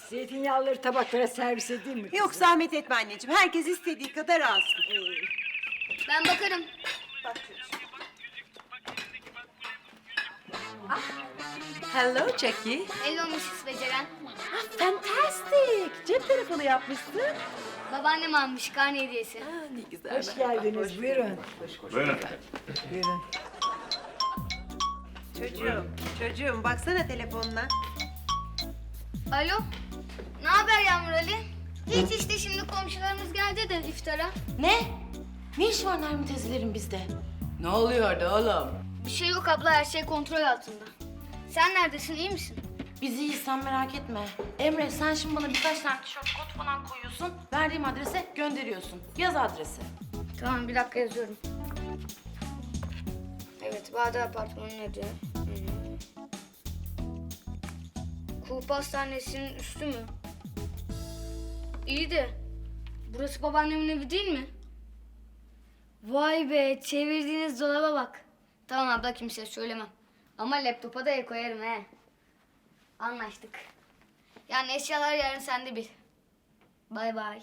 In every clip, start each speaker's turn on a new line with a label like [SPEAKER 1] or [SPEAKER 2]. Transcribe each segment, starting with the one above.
[SPEAKER 1] Zeytinyağlıları tabaklara servis edeyim mi?
[SPEAKER 2] Yok zahmet etme anneciğim. Herkes istediği kadar alsın.
[SPEAKER 3] Ben bakarım.
[SPEAKER 2] Bak çocuğum.
[SPEAKER 4] Hello Jackie.
[SPEAKER 3] Hello Mrs. Beceren.
[SPEAKER 4] Fantastic. Cep telefonu yapmışsın.
[SPEAKER 3] Babaannem almış karne hediyesi.
[SPEAKER 4] Ne güzel.
[SPEAKER 1] Hoş geldiniz. Buyurun.
[SPEAKER 5] Buyurun.
[SPEAKER 1] Buyurun.
[SPEAKER 2] Çocuğum baksana telefonuna.
[SPEAKER 3] Alo. Ne haber Yağmur Ali? Hiç işte şimdi komşularımız geldi de iftara.
[SPEAKER 4] Ne? Ne iş var Nermin teyzelerin bizde? Ne oluyordu oğlum?
[SPEAKER 3] Bir şey yok abla, her şey kontrol altında. Sen neredesin, iyi misin?
[SPEAKER 4] Biz iyiyiz, sen merak etme. Emre sen şimdi bana birkaç tane tişört kod falan koyuyorsun. Verdiğim adrese gönderiyorsun. Yaz adresi.
[SPEAKER 3] Tamam, bir dakika yazıyorum. Evet, Bağdat Apartmanı'nın adı. Kulüp Hastanesi'nin üstü mü? İyi de burası babaannemin evi değil mi? Vay be, çevirdiğiniz dolaba bak. Tamam abla, kimseye söylemem. Ama laptopa da el koyarım he. Anlaştık. Yani eşyalar yarın sende bir. Bay bay.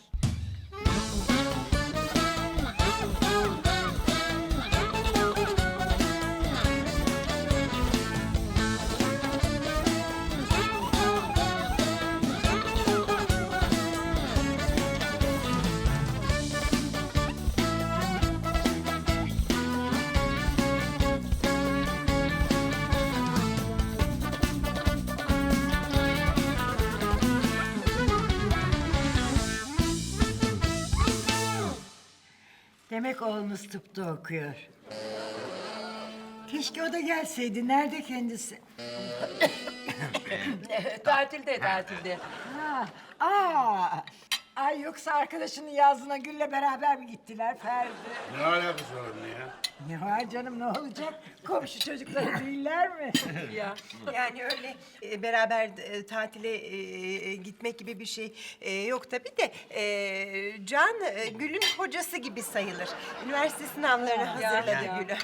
[SPEAKER 1] Demek oğlunuz tıpta okuyor. Keşke o da gelseydi. Nerede kendisi?
[SPEAKER 4] Tatilde.
[SPEAKER 1] Ha, ay yoksa arkadaşının yazlığına Gül'le beraber mi gittiler Ferdi?
[SPEAKER 5] Ne alakası var onunla ya?
[SPEAKER 1] Ne var canım, ne olacak? Komşu çocukları değiller mi?
[SPEAKER 2] Yani öyle beraber tatile gitmek gibi bir şey yok tabii de Can Gül'ün hocası gibi sayılır. Üniversite sınavlarını hazırladı Gül'ü.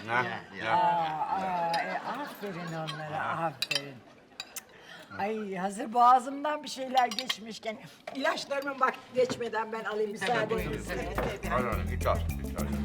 [SPEAKER 1] Aferin onlara, aferin. Ay hazır boğazımdan bir şeyler geçmişken ilaçlarımı bak geçmeden ben alayım müsaadenizle.
[SPEAKER 5] Hadi git al. Git al.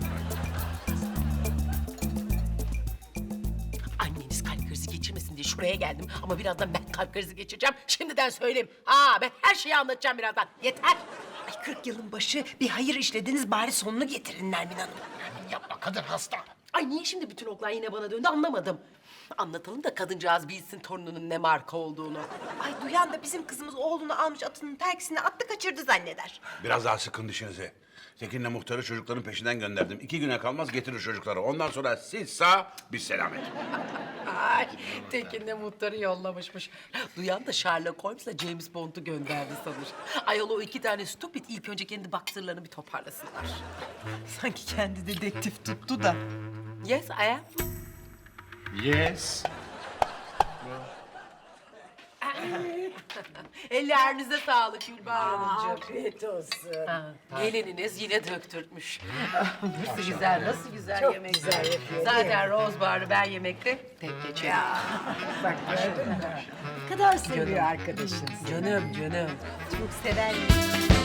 [SPEAKER 6] Anneniz kalp krizi geçirmesin diye şuraya geldim. Ama birazdan ben kalp krizi geçireceğim. Şimdiden söyleyeyim. Ben her şeyi anlatacağım birazdan. Yeter.
[SPEAKER 2] Ay 40 yılın başı bir hayır işlediniz, bari sonunu getirin Nermin Hanım.
[SPEAKER 6] Yapma, kadın hasta. Ay niye şimdi bütün oklar yine bana döndü anlamadım. Anlatalım da kadıncağız bilsin torununun ne marka olduğunu.
[SPEAKER 2] Ay duyan da bizim kızımız oğlunu almış atının terkisine attı kaçırdı zanneder.
[SPEAKER 5] Biraz daha sıkın dişinizi. Tekin'le muhtarı çocukların peşinden gönderdim. 2 güne kalmaz getirir çocukları. Ondan sonra siz sağ, biz selamet.
[SPEAKER 6] Ay Tekin de muhtarı yollamışmış. Duyan da Sherlock Holmes'la James Bond'u gönderdi sanır. Ayol o 2 tane stupid ilk önce kendi baktırlarını bir toparlasınlar.
[SPEAKER 2] Sanki kendi dedektif tuttu da.
[SPEAKER 6] Yes, I am.
[SPEAKER 5] Yes.
[SPEAKER 6] Ellerinize sağlık Gülbahar Hanımcığım.
[SPEAKER 1] Afiyet olsun.
[SPEAKER 6] Gelininiz yine döktürtmüş. Nasıl güzel, nasıl güzel
[SPEAKER 1] Çok
[SPEAKER 6] yemek.
[SPEAKER 1] güzel yapıyor, değil
[SPEAKER 6] Zaten Rosebar'ı ben yemekte tek geçerim.
[SPEAKER 1] Bak gördün mü? Ne kadar seviyor arkadaşınız.
[SPEAKER 6] Canım.
[SPEAKER 2] Çok sever.